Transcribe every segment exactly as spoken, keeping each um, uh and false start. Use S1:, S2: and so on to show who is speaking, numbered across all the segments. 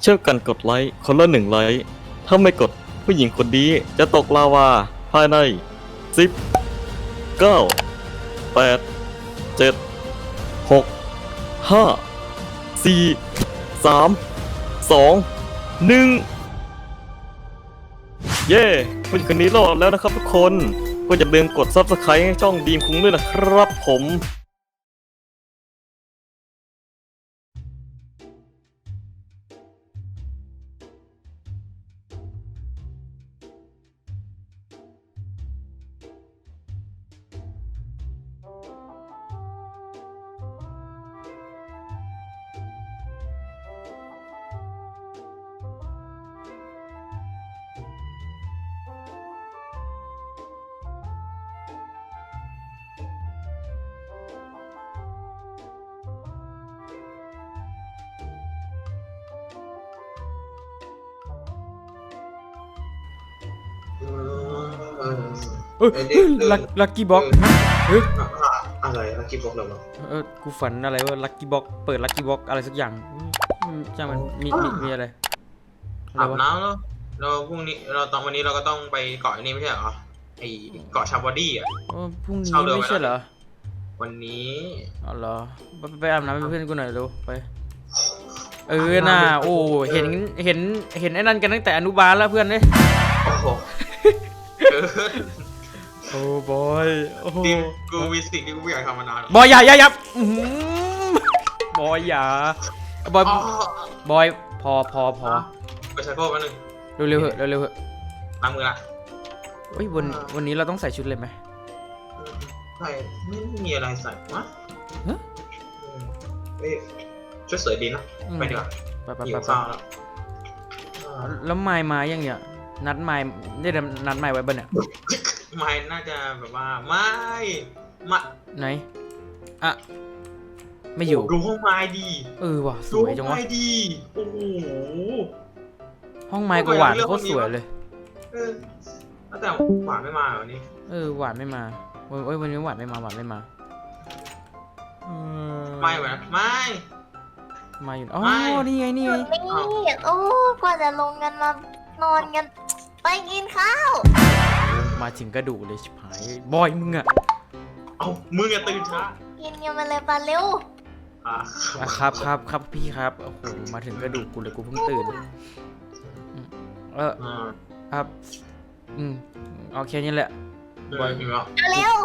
S1: เช่วยกันกดไลค์คนละหนึ่งไลค์ถ้าไม่กดผู้หญิงคนนี้จะตกลาวาภายในสิบ เก้า แปด เจ็ด หก ห้า สี่ สาม สอง หนึ่งเย้ผู้หญิงคนนี้รอดแล้วนะครับทุกคนก็อย่าลืมกด ซับสไครบ์ ให้ช่องดีมคุ้งด้วยนะครับผม
S2: เออลักลักกี้บ็อกเฮ้ย
S3: อะไรลักกี้บ็อกเหรอวะ
S2: เออกูฝันอะไรว่าลักกี้บ็อกเปิดลักกี้บ็อกอะไรสักอย่างจ้างมันมีมีมีอะไรอะไร
S3: อาบ
S2: วะ
S3: น้ำแล้วเราพรุ่งนี้เราตอนวันนี้เราก็ต้องไปเกาะนี้ไม่ใช่เหรอไอเกาะชาบอดี้อ่ะ
S2: เออพรุ่งนี้
S3: เช่าเรือ
S2: ไม่ใช่เหรอ
S3: วันนี้
S2: อ๋อเหรอไปไปอาบน้ำเป็นเพื่อนกูหน่อยเร็วไปเออน่าโอ้เห็นเห็นเห็นไอ้นั่นกันตั้งแต่อนุบาลแล้วเพื่อนเนี่ย
S3: โอ้โห
S2: โอ้บอยโอ้
S3: ดิมกูมีสิ่งที่กูไม่อยากทำมานาน
S2: บอยอย่าอย่าอย่าบอยอย่าบอยบอยพอพอพอ
S3: ไปใช้โค้ดมาหนึ่ง
S2: เร็วเร็วเหอะเร็วเร็วเหอะ
S3: ล้างมือละ
S2: เฮ้ยวันวันนี้เราต้องใส่ชุดเลยไหม
S3: ใส่ไม่มีอะไรใส่วะ
S2: ฮะ
S3: เอ้ยชุดสวยดีนะไปดีกว่า
S2: ไปไป
S3: หิ
S2: ไป
S3: ว
S2: ไป
S3: ข้าวแล้ว
S2: แล้วไม้มายังเนี่ยนัดไม้ได้นัดไม้ไว้บ้านเนี่ย
S3: ไม่น่าจะแบบว่าไม่มา
S2: ไหนอ่ะไม่อยู่
S3: ดูห้องไม้ดี
S2: เออว่ะส
S3: ดู
S2: วย
S3: ห้อง
S2: จังวะ
S3: ไม้ดีโอ้โห
S2: ห้องไม้ก็หวานโคตรสวยเลย
S3: เออแต่หวานไม่มาวันนี้
S2: เออหวานไม่มาเอ้ยวันนี้หวานไม่มาหวานไม่มาเออ
S3: ไม่เหมือนไม่
S2: มาอยู่อ๋อ
S3: ไม่
S2: นี่ไงนี่ไง
S4: นี่โอ้กว่าจะลงกันมานอนกัน ไปกินข้าว
S2: มาถึงกระดูกเลยชิบหายบอยมึงอะ
S3: เอามึงอย่าตื่นช้า
S4: กินกันมาเลยปลาเร็ว
S3: อ่ะ
S2: อ่ะครับครับครับพี่ครับโอ้โหมาถึงกระดูกกูเลยกูเพิ่งตื่นอืมเออ
S3: อ่า
S2: ครับอืมโอเคนี่แหละ
S3: บอยหิวแล้ว
S4: เร็ว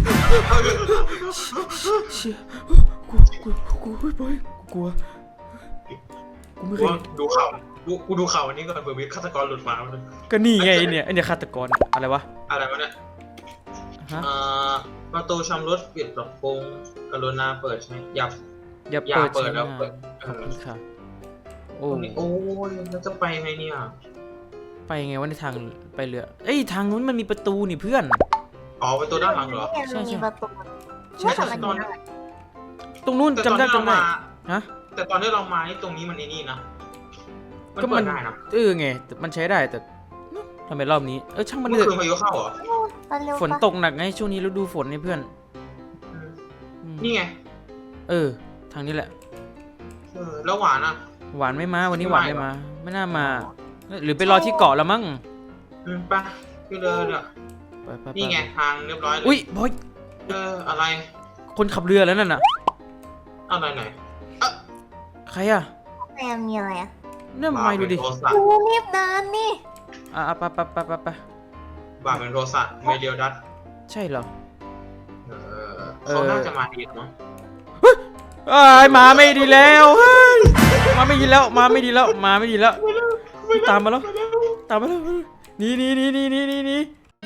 S2: เชี่ยกูกูกูเฮ้ยบอยกูกลัวกูไม่เคย
S3: ดูข่าวดูกูดูข่าววันนี้ก่อนเผื่อมีฆาตกรหลุดมา
S2: ก็นี่ไงเนี่ยไอเนี่ยฆาตกรอะไรวะ
S3: อะไรวะเนี่ย
S2: ฮะ
S3: อ่าประตูชำรุดปิดปรับปรุงกรุณาเปิดใช้อย่า
S2: อย่า
S3: อย่า
S2: เปิด
S3: เปิด
S2: ใช้
S3: แล้ว
S2: งาน
S3: เปิด
S2: ขอบคุณค่ะโอ้
S3: โอ้โอ้ยแล้วจะไปไงเนี่ย
S2: ไปไงวะในทางไปเรือเอ้ยทางนู้นมันมีประตูนี่เพื่อน
S3: อ๋อประตูด้านหลังเหรอ
S2: ใช่ใช่
S4: มีประตู
S2: ใช่
S4: ไม่
S2: ใช่
S4: ทำมัน
S3: ตอน
S4: ได้
S2: ตรงนู้น
S3: แต่ต
S2: จำ
S3: อน
S2: ได้
S3: ที่เรา
S2: จำได้
S3: มา
S2: ฮะ
S3: แต่ตอนที่เรามานี่ตรงนี้มันไอ้นี่นะมัน
S2: ก็
S3: เปิ
S2: มั
S3: ด
S2: น
S3: ได้นะ
S2: เออไงแต่มันใช้ได้แต่ทำไมรอบนี้เออช่างมัน
S3: เมื่
S2: เถ
S3: อคืน
S2: อะ
S3: พายุเข้าเหรอ
S4: ปลาเร็ว
S2: ฝนตกหนักไงช่วงนี้ฤดูฝนนี่เพื่อนอืม
S3: นี่ไง
S2: เออทางนี้แหละ
S3: เออแล้วหวานอ่ะ
S2: หวานไม่มาวันนี้
S3: ไม่
S2: หวาน
S3: มา
S2: ไม่
S3: เหรอ
S2: มา ไม่น่ามา หรือไปรอที่เกาะแล้วมั้ง
S3: อืมไปคือเดินอ่ะ
S2: ไปไปไป
S3: นี่ไงทางเรียบร้อยเลย
S2: อุ้ยบอย
S3: เอออะไร
S2: คนขับเรือแล้วนั่นน่ะ
S3: อะไรไหน
S2: ใครอ่ะ
S4: แม่มีอะไรอ่ะ
S2: เนี่ยไม่ดูดิ
S3: บาร์เป็นโทรศัพท์
S4: ดูรีบเดินนี่
S2: อ่ะไปไปไปไปไป
S3: บาร์เป็นโทรศัพท์ไม่เดียวดัด
S2: ใช่เหรอ
S3: เออเขาน่าจะมาดีมั้ง
S2: เอ้ยมาไม่ดีแล้วเฮ้ยมาไม่ดีแล้วมาไม่ดีแล้วมาไม่ดีแล้วตามมาแล้วตามมาแล้วหนี่นี่นี่นี่นี่นี่นี่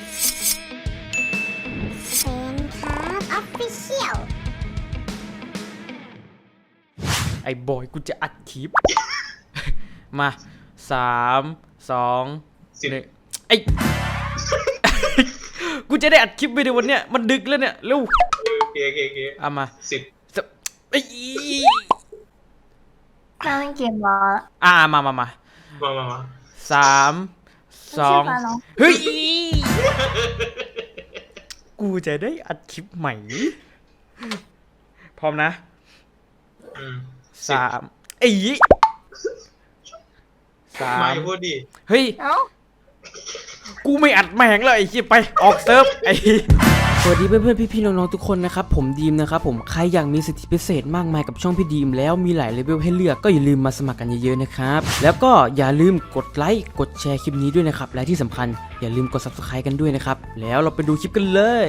S4: เป็นครับออฟฟิเชียล
S2: ไอ้บอยกูจะอัดคลิป มาสามสอง
S3: สิบ
S2: หนึ่งไอ้ กูจะได้อัดคลิปไปในวันเนี้ยมันดึกแล้วเนี่ยเร็ว
S3: โอเคโอเคโอเค
S2: เอามา
S3: สิบ
S2: ไอ้
S4: นั่งเกมบอล
S2: อ่ามามามา
S3: มามามา
S2: สามสองเฮ้ยกูจะได้อัดคลิปใหม่พร้อมนะ
S3: อืม
S2: สามไอ้สา
S3: มาม อย่าพูดดิ
S2: เฮ้ย
S4: เอ้า
S2: กูไม่อัดแม่งเลยไอ้ขี้ไปออกเซิร์ฟไอ้สวัสดีเพื่อนๆพี่ๆน้องๆทุกคนนะครับผมดีมนะครับผมใครอยากมีสิทธิพิเศษมากมายกับช่องพี่ดีมแล้วมีหลายเลเวลให้เลือกก็อย่าลืมมาสมัครกันเยอะๆนะครับแล้วก็อย่าลืมกดไลค์กดแชร์คลิปนี้ด้วยนะครับและที่สำคัญอย่าลืมกด ซับสไครบ์ กันด้วยนะครับแล้วเราไปดูคลิปกันเลย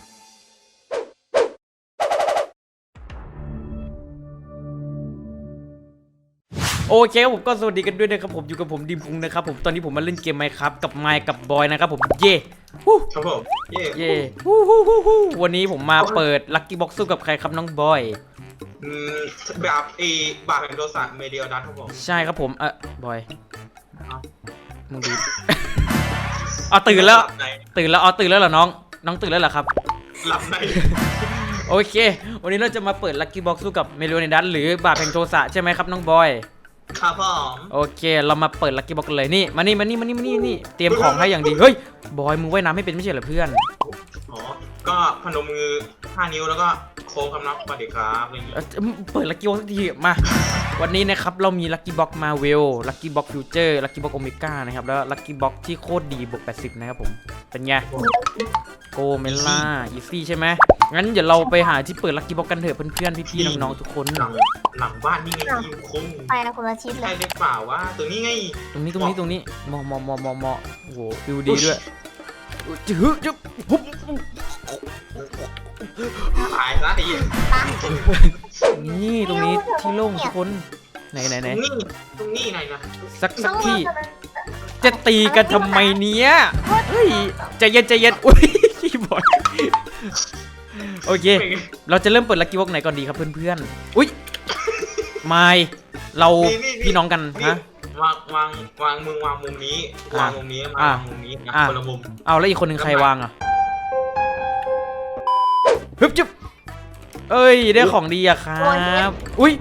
S2: โอเคครับผมก็สวัสดีกันด้วยนะครับผมอยู่กับผมดิมพุงนะครับผมตอนนี้ผมมาเล่นเกมไมค์ครับกับไมค์กับบอยนะครับผมเย่ฮู้
S3: ครับผมเย่
S2: เย่ฮู้ฮู้ฮู้ฮู้วันนี้ผมมาเปิดลัคกี้บ็อกซ์สู้กับใครครับน้องบอย
S3: อืมแบบเอบาปแห่งโทสะเมเดียลดัตครับผม
S2: ใช่ครับผมเออบอยมึงดู เอาตื่นแล้ว
S3: หลับใน
S2: ตื่นแล้วเอาตื่นแล้วเหรอน้องน้องตื่นแล้วเหรอครับ
S3: หลับใน
S2: โอเค วันนี้เราจะมาเปิดลัคกี้บ็อกซ์สู้กับเมโลเนดัสหรือบาปแห่งโทสะใช่ไหมครับน้องบอย
S3: ครับผม
S2: โอเคเรามาเปิดลัคกี้บ็อกซ์เลยนี่มานี่มานี่มานี่มานี่นี่เตรียมของให้อย่างดีเฮ้ยบอยมึงว่ายน้ำไม่เป็นไม่ใช่เหรอเพื่อน
S3: อ๋อก็พนมมือห้านิ้วแล้วก็โค้งคำนับสวัสดีครับอะไรอย่างงี้
S2: เอ่อเปิดลัคกี้บ็อกซ์สักทีมา วันนี้นะครับเรามีลัคกี้บ็อกซ์มาเวลลัคกี้บ็อกซ์ฟิวเจอร์ลัคกี้บ็อกซ์โอเมก้านะครับแล้วลัคกี้บ็อกซ์ที่โคตรดีบวกแปดสิบนะครับผมเป็นไงโกเมล่าอีซี่ใช่ไหมงั้นเดี๋ยวเราไปหาที่เปิดลัคกี้บ็อกซ์กันเถอะเพื่อนๆพี่ๆน้องๆทุกคน
S3: หลังหลังบ้านนี่ไงที่คุ้ง
S4: ไปนะคุณอาชิตเล
S3: ใช่
S4: ย
S3: หรือเปล่าว่าตัวนี้ไง
S2: ตรงนี้ตรงนี้ตรงนี้มอมอมอมอมอโอ้โหฟิวดีด้วยจื้อจื้อปุ๊บ
S3: ตายซะไอ้เหี้ย
S2: นี่ตรงนี้ที่โล่งทุกคนไหนไหนไหน
S3: นี่ตรงนี้ไหนนะ
S2: สักสักที่จะตีกันทำไมเนี้ยเฮ้ยใจเย็นใจเย็นอุ้ยขี้บอยโอเค เราจะเริ่มเปิดลัคกี้บ็อกซ์ไหนก่อนดีครับเพื่อนๆอุ้ยไม่เราพี่น้องกันฮะ
S3: วางวางวางมึงวางมุมนี้วางมุมนี้วางมุมนี้นะคนละมุม
S2: เอาแล้วอีกคนหนึ่งใครวางอ่ะฮึบจุ๊บเอ้ยได้ของดีอะครับอุ้ย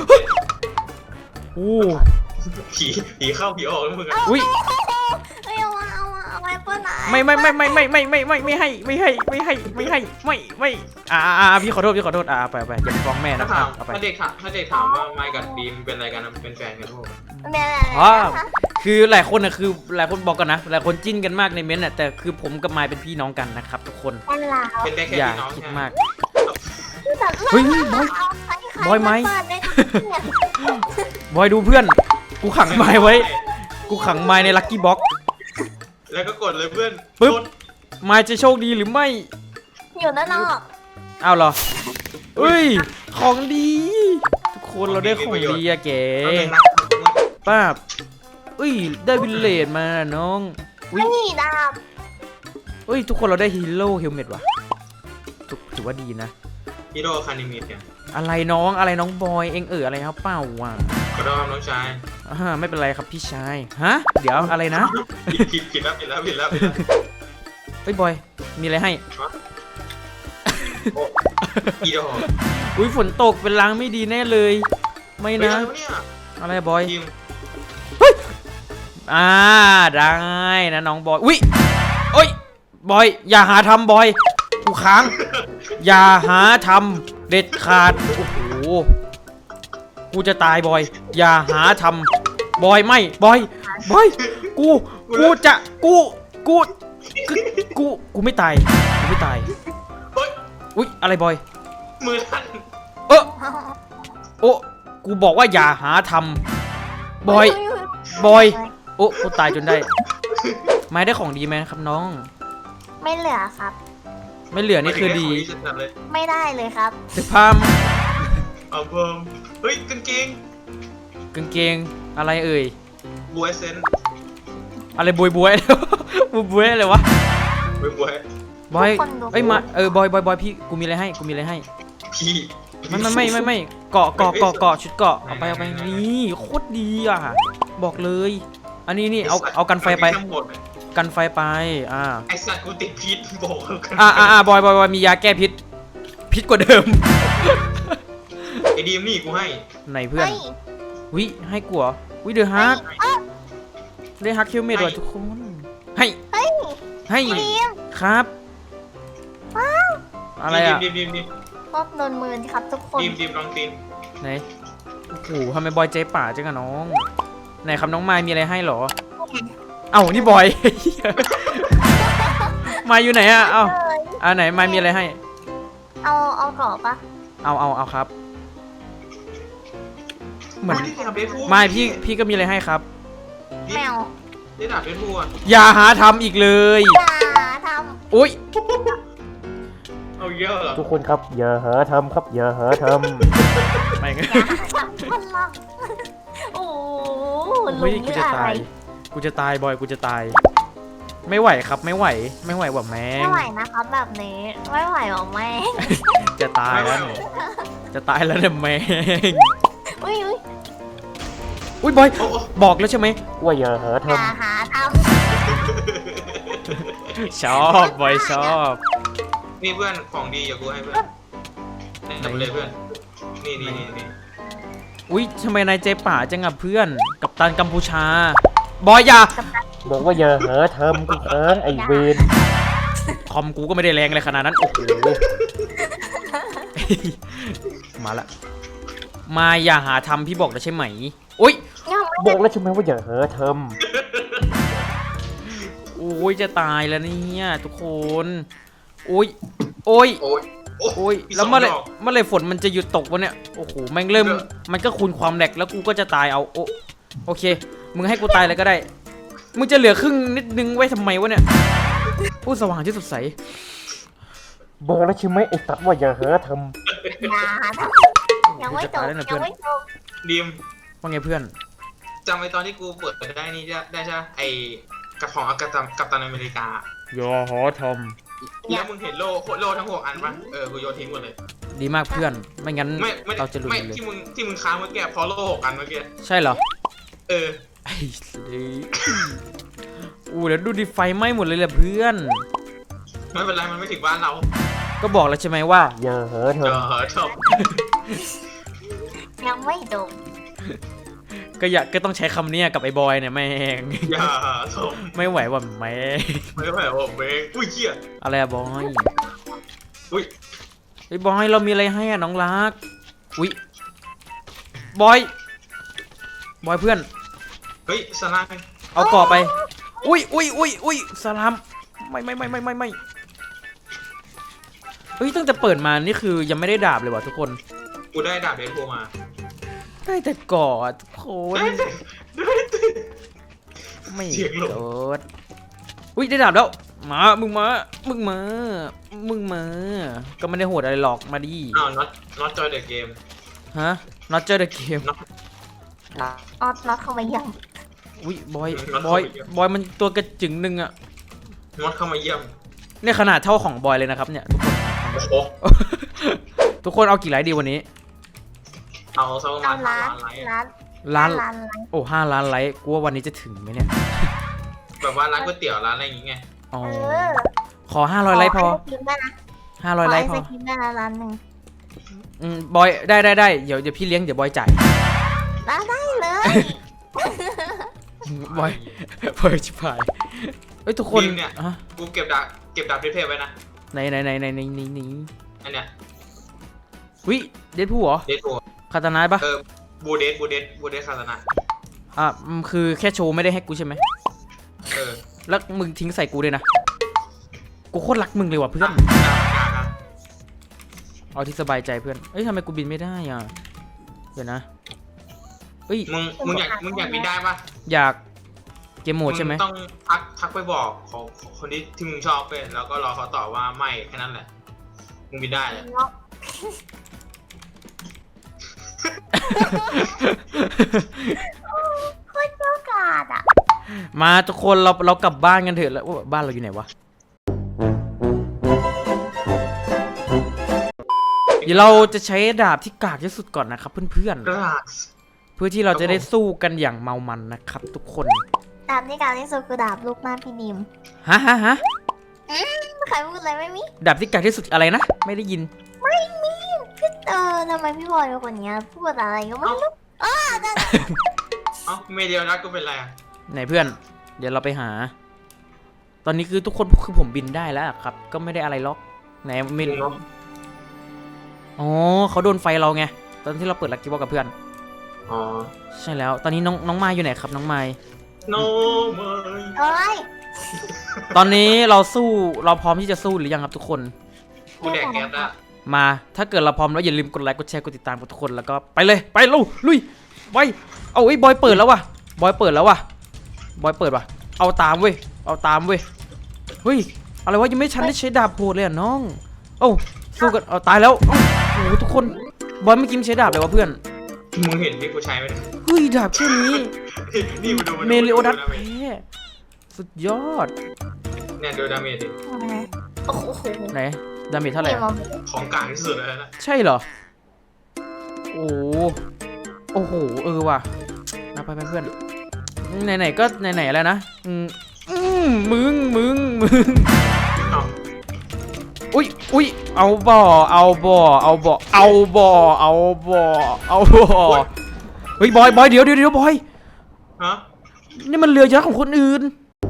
S2: โอ้
S3: ผีผีเข้าผีออกแล้วมึงอะ
S2: อุ้ย
S4: เฮ้ยเอามาเอามาเอามาเปิ้ลไหน
S2: ไม่ไม่ไม่ไม่ไม่ไม่ไม่ไม่ไม่ให้ไม่ให้ไม่ให้ไม่ให้ไม่ไม่อ่าอ่าพี่ขอโทษพี่ขอโทษอ่าไปไปอย่าไปฟ้องแม่
S3: ถ้า
S2: นะ
S3: ถาม
S2: เอาไป
S3: ถ้าเด็กถามถ้าเด็กถามว่าไมค์กับดีมเป็นอะไรกันเป็นแฟนกันทุกคน
S4: แม่
S2: อ๋อคือหลายคนนะคือหลายคนบอกกันนะหลายคนจิ้นกันมากในเม้นต์น่ะแต่คือผมกับมายเป็นพี่น้องกันนะครับทุกคน
S4: แม่ลาว
S3: เป็นได้แค่
S2: อย่า
S3: พี่น้อง
S2: คิด
S3: ใช่
S2: มาก
S4: เฮ้ย
S2: บอยไหม บอยดูเพื่อนกูขังไม้ไว้กูขังไม้ในลัคกี้บ็อกซ์
S3: แล้วก็กดเลยเพื่อน
S2: ปึ๊บ
S3: กด
S2: ไม้จะโชคดีหรือไม่
S4: อยู่ด้านนอก
S2: อ้าวเหรอเอ้ยของดีทุกคนเราได้ของดีอะเก๋
S3: เอาเลยนะ
S2: ป้าบเอ้ยได้วิลเลจมาน้องอุ้ย
S4: นี่ดาบ
S2: เอ้ยทุกคนเราได้ฮีโร่เฮลเมตว่ะถือถือว่าดีนะ
S3: ฮิโร่คานิมิเนี่ย
S2: อะไรน้องอะไรน้องบอยเองเอออะไรครับเปล่าวะ
S3: ขอโทษครับน้องชาย
S2: อ่าไม่เป็นไรครับพี่ชายฮะเดี๋ยวอะไรนะ
S3: ผิดผิดผิดแล้วผิดแล้วผิดแล้วผิดแล้ว
S2: เฮ้ยบอยมีอะไรให้
S3: โอ้ฮิโร่
S2: อุ้ยฝนตกเป็นล้างไม่ดีแน่เลย ไม่
S3: เฮ้ย
S2: นะ
S3: อะไรวะเนี่ย
S2: อะไรบอย
S3: ทีม
S2: อ่าได้นะน้องบอยอุ้ยโอ้ยบอยอย่าหาทำบอยกูค้างอย่าหาทำเด็ดขาดโอ้โหกูจะตายบอยอย่าหาทำบอยไม่บอยบอยกูกูจะกูกูกูกูกูไม่ตายกูไม่ตาย
S3: เฮ้ย
S2: อุ้ยอะไรบอย
S3: มือลั่น
S2: เออโอ้กูบอกว่าอย่าหาทำบอยบอยโอ้กูตายจนได้ไม่ได้ของดีไหมครับน้อง
S4: ไม่เหลือครับ
S2: ไม่เหลือนี่คือดี
S3: จัดเลย
S4: ไม่ได้เลยครับ
S2: เสื้อผ้า
S3: เอาเพิ่มเฮ้ยกางเกง
S2: กางเกงอะไรเอ่ย
S3: บวยเซน
S2: อะไรบวยบวย บวยบวยอะไรวะ
S3: บวยบวย
S2: บอย
S4: ทุกคนดู
S2: เอ้ยมาเออบอยบอยบอยพี่กูมีอะไรให้กูมีอะไรให้
S3: พี่
S2: ไม่ไม่ไม่ไม่ไม่เกาะเกาะเกาะเกาะชุดเกาะเอาไปเอาไปนี่โคตรดีอ่ะบอกเลย อันนี้นี่เอาเอากันไฟไป
S3: ทั้งหมดเลย
S2: กันไฟไปอ่า
S3: ไอสัตว์กูติดพิษบอกกัน
S2: อ่าอ่าอ่าบอยบอยบอยมียาแก้พิษพิษกว่าเดิม
S3: ไอดีมนี่กูให้
S2: ไหนเพื่อน
S4: เฮ้ย
S2: วิให้กูเหรอวิเดอะฮัก
S4: เอ้ย
S2: ได้ฮักคิวเมดว่ะทุกคนให้
S4: เฮ้ย
S2: ให้
S4: ทีม
S2: ครับอะไรอ่ะ
S3: ดีมดีมดีม
S4: พบนนหมื่นครับทุกคน
S3: ดีมดีมลองตีน
S2: ไหนโอ้โหทำไมบอยใจป่าจังอะน้องไหนครับน้องไม้มีอะไรให้เหรอ เอ้านี่บอย ไม้อยู่ไหนอะเอ้า
S4: เลย
S2: อ่าไหนไม้มีอะไรให้
S4: เอาเอากรอบปะ
S2: เอาเอาเอาครับ เหมือน
S3: ที่ทำเดทพู
S2: ไม่พี่พี่ก็มีอะไรให้ครับ
S4: แมว
S3: ได้ดาบเดทพูอ่ะ
S2: อย่าหาทำอีกเลย
S4: อย่าท
S2: อุ้ย
S3: เอาเยอะเหรอ
S5: ทุกคนครับอย่าหาทำครับอย่าหาท
S2: ไม่งั้น
S4: ำอย่าทำพลังโอ้โหลุ
S2: เฮ้ย
S4: ง
S2: กู
S4: เรื่อ
S2: จะ
S4: อะไร
S2: ตาย กูจะตายบอยกูจะตาย ไม่ไหวครับไม่ไหว ไม่ไหวว่ะแม่ง
S4: ไม่ไหวนะครับแบบนี้ไม่ไหวหรอแม่
S2: จะตายแล้วเนี่ยจะตายแล้วเนี่ยแม่ง
S4: อุ้ยอุ้ย
S2: อุ้ยบอย
S3: โอ้โอ้
S2: บอกแล้วใช่ไหม
S5: ำว่าอย่าหา
S4: อ
S5: ท
S4: ย่าหาท
S2: ชอบบอยชอบ
S3: นี่เพื่อนของดีอย่ากูให้เพื่อนแนะนำเลยเพื่อน นี่นี่นี่นี่
S2: อุ้ยทำไมนายใจป่าจังอะเพื่อน กัปตันกัมพูชา บอยอย่า
S5: ำบอกว่าอย่าหาทำกูค้างไอเวน
S2: คอมกูก็ไม่ได้แรงอะไรขนาดนั้น โอ้โห มาละ มาอย่าหาทำพี่บอกแล้วใช่ไหม อุ้ย
S4: ำยังไม่
S5: บอกแล้วใช่ไหมว่าอย่าหาท
S2: โอ้ยจะตายแล้วเนี่ยทุกคนโอ้ยโอ้ย
S3: โอ้ย
S2: โอ้ย
S3: มี
S2: แล้ว
S3: สง
S2: เมื่อไหร
S3: ดก
S2: เมื่อไหรฝนมันจะหยุดตกวะเนี่ย โอ้โห แม่งเริ่ม
S3: เออ
S2: มันก็คูณความแหลกแล้วกูก็จะตายเอา โอโอเค มึงให้กูตายเลยก็ได้ มึงจะเหลือครึ่งนิดนึงไว้ทำไมวะเนี่ยผู้สว่างที่สดใส
S5: ำบอกแล้วใช่ไหมไอสัตว์ว่าอย่าหาท
S4: อย่าหาทำยังไม่จบยังไม่จบ
S3: ดีม
S2: ว่าไงเพื่อน
S3: จำไว้ตอนที่กูเปิดได้นี่ได้ได้ใช่ไหมไอ้กระของกัปตันกัปตันอเมริกา
S2: อย่าหาท
S3: แล้วมึงเห็นโล่โล่ทั้งหกอันปะเออ กูโยนทิ้งหมดเลย
S2: ำดีมากเพื่อน ไม่งั้น
S3: ไม่ไม่
S2: เราจะหลุด
S3: ไม่
S2: เลย
S3: ที่มึงที่มึงค้างเมื่อกี้เพอโล่หกอันเมื่อกี้
S2: ใช่เหรอ
S3: เออ
S2: ไอ้สิอู้แล้วดูดิไฟไหม้หมดเลยแหละเพื่อน
S3: ไม่เป็นไรมันไม่ถึงบ้านเรา
S2: ก็บอกแล้วใช่ไหมว่า
S5: ำอย่าหาท
S3: เออชอบ
S4: ยังไม่จบ
S2: ก็อยากก็ต้องใช้คำเนี้ยกับไอ้บอยเนี่ยแม่ง
S3: อย่าชอบ
S2: ไม่ไหวว่ะแม่ง
S3: ไม่ไหวผมเองอุ้ยเหี้ย
S2: อะไรอะบอย
S3: อุ้ย
S2: ไอ้บอยเรามีอะไรให้อะน้องรัก อุ้ยบอย บอยเพื่อน
S3: เฮ้ยสลาม
S2: เอาก่อไป อุ้ยอุ้ยอุ้ยอุ้ยสลามไม่ไม่ไม่ไม่ไม่ไม่เฮ้ยตั้งแต่เปิดมานี่คือยังไม่ได้ดาบเลยว่ะทุกคน
S3: กูได้ดาบเดนโพมา
S2: ได้แต่ก่ออะทุกคน
S3: ได้แต่ได้แต่
S2: ไม่
S3: เสียงหลง
S2: เกิดอุ้ยได้ดาบแล้ว มา มึงมา มึงมา มึงมา ก็ไม่ได้โหดอะไรหรอก มาดิ
S3: อ้าว not not joy the game
S2: ฮะ not just the game
S4: ออดน็อตเข้ามายัง
S2: อุ้ยบอย
S3: มัน
S2: บอย
S3: เข้าไปเยอะ
S2: บอยมันตัวกระจึงหนึ่งอะ
S3: not เข้ามาเยี่ยม
S2: เนี่ยขนาดเท่าของบอยเลยนะครับเนี่ย
S3: โอ้โห
S2: ทุกคน ทุกคนเอากี่ไลค์ดีวันนี้
S3: เอาสักประมา
S4: เอา
S3: ณ
S4: ร้า
S3: ห้าน ล้านไลค์
S4: ร้าน
S2: ล้าน
S4: ร้านร้าน
S2: โอ้ห้าล้านไลค์กูว่าวันนี้จะถึงไหมเนี่ย
S3: แบบว่าร้านก๋วยเตี๋ยวร้านอะไรอย่างเงี้ย
S2: อ๋อ
S4: เออ
S2: ขอห้าร้อยไลค์พอ
S4: ขให้สกินได้นะ
S2: ห้าร้อยไลค์พ
S4: ข
S2: อ
S4: ให้สกินได้นะร้านหนึ่ง
S2: อืมบอย ได้ได้ได้เดี๋ยวเดี๋ยวพี่เลี้ยง เดี๋ยวบอยจ่าย
S4: ร้านได้เลย
S2: บอย บอยชิบหายเอ้ยทุกคน
S3: ทีมเนี่ย
S2: ฮะ
S3: กูเก็บดาบเก็บดาบเทพๆไว้นะ
S2: ไหนไหนไหนไหนไหนไหนไหน
S3: อันเนี้ย
S2: วิเดดพูเหรอ
S3: เดทโพ
S2: คาตานาปะ
S3: เออบูเดสบูเดสบูเดสคาสนะ
S2: อ่ะอืมคือแค่โชว์ไม่ได้ให้กูใช่ไหม
S3: เออ
S2: แล้วมึงทิ้งใส่กูด้วยนะ กูโคตรรักมึงเลยว่ะเพื่อน
S3: ดาบกากอะ
S2: เอาที่สบายใจเพื่อน เอ้ยทำไมกูบินไม่ได้อ่ะ เดี๋ยวนะเอ้ย
S3: มึงมึงอยากมึงอยากบินได้ปะ
S2: อยากเกมโหมดใช่ไหม
S3: งต้องทักทักไปบอกของของคนที่ที่มึงชอบเป็นแล้วก็รอเขาตอบว่าไม่แค่นั้นแหละ มึงบินได้เลย
S4: โคตรเจ้ากาดอ่ะ
S2: มาทุกคนเราเรากลับบ้านกันเถอะแล้วบ้านเราอยู่ไหนวะ เดี๋ยวเราจะใช้ดาบที่กากที่สุดก่อนนะครับเพื่อน
S3: กระดาษ
S2: ๆ เพื่อที่เราจะได้สู้กันอย่างเมามันนะครับทุกคน
S4: ดาบที่กาดที่สุดคือดาบลูกหน้าพี่นิม
S2: ฮะฮะฮะ
S4: ใครพูดอะไรไม่มี
S2: ดาบที่กากที่สุดอะไรนะ ไม่ได้ยิน
S4: ไม่มีพี่เออทำไมพี่บอยเป็นคนเนี้ยพูดอะไรก็ไม่รู้อ้าได้
S3: เอ้าเมเดียวรักก็เป็นไรอะ
S2: ไหนเพื่อน เดี๋ยวเราไปหา ตอนนี้คือทุกคนคือผมบินได้แล้วอะครับ ก็ไม่ได้อะไรล็อกไหนไม่รู้อ๋อเขาโดนไฟเราไง ตอนที่เราเปิดลักกี้บอกกับเพื่อน
S3: อ๋อ
S2: ใช่แล้วตอนนี้น้องน้องไม้อยู่ไหนครับน้องไม้
S3: โนเมย
S4: เอ้ย
S2: ตอนนี้เราสู้เราพร้อมที่จะสู้หรือยังครับทุกคน
S3: กูแดกแก๊สอะ
S2: มาถ้าเกิดเราพร้อมแล้วอย่าลืมกดไลค์กดแชร์กดติดตามกับทุกคนแล้วก็ไปเลยไปลุยลุยไปเอาไอ้ยบอยเปิดแล้วว่ะบอยเปิดแล้วว่ะบอยเปิดว่ะเอาตามเว้ยเอาตามเว้ยเฮ้ยอะไรวะยังไม่ชันได้ใช้ดาบโหดเลยอ่ะน้องเอ้าสู้กันเอาตายแล้วเอ้าโอ้โหทุกคนบอยไม่กินใช้ดาบเลยวะเพื่อน
S3: มึงเห็นที่กูใช้ไหม
S2: เฮ้ยดาบแค่นี้
S3: นี่มาดูา
S2: เมลิโอดัส
S3: ดา
S2: แพ้สุดยอด
S3: เนี่ยดูดาเมจดิ
S4: โอ้โห
S2: ไหนดาเมจเท่าไหร่
S4: นี่
S2: อะ
S4: มัน
S3: ของกลางที่สุดเลยนะ
S2: ใช่เหรอโอ้โหโอ้โหเออว่ะนะไปไปเพื่อนไหนๆก็ไหนๆแล้วนะอืมอืมมึงมึงมึง
S3: เอ้า
S2: อุ้ยอุ้ยเอาบ่อเอาบ่อเอาบ่อเอาบ่อเอาบ่อเอาบ่อเฮ้ยบอยบอยเดี๋ยวเดี๋ยวเดี๋ยวบอย
S3: ฮะ
S2: นี่มันเรือยักษ์ของคนอื่น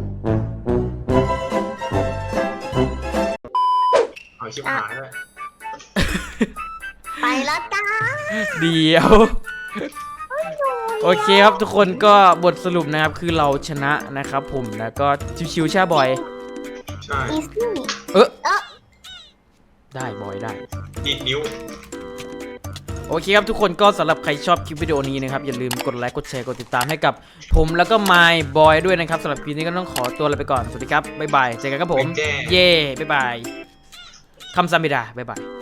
S3: เอาชิบหายเลย
S4: ไปแล้วจ้า
S2: เดี๋ยวโอเคครับทุกคนก็บทสรุปนะครับคือเราชนะนะครับผมแล้วก็ชิวๆใช่บอย
S3: ใช่
S4: อีซี่
S2: เออ
S4: เออ
S2: ได้บอยได้
S3: ดีดนิ้ว
S2: โอเคครับทุกคนก็สำหรับใครชอบคลิปวิดีโอนี้นะครับอย่าลืมกดไลค์กดแชร์กดติดตามให้กับผมแล้วก็ My Boy ด้วยนะครับสำหรับคลิปนี้ก็ต้องขอตัวลาไปก่อนสวัสดีครับบ๊ายบายเจอกันครับผม
S3: เป็นแจ้
S2: เย่บ๊ายบายคำซัมบิดาบ๊ายบาย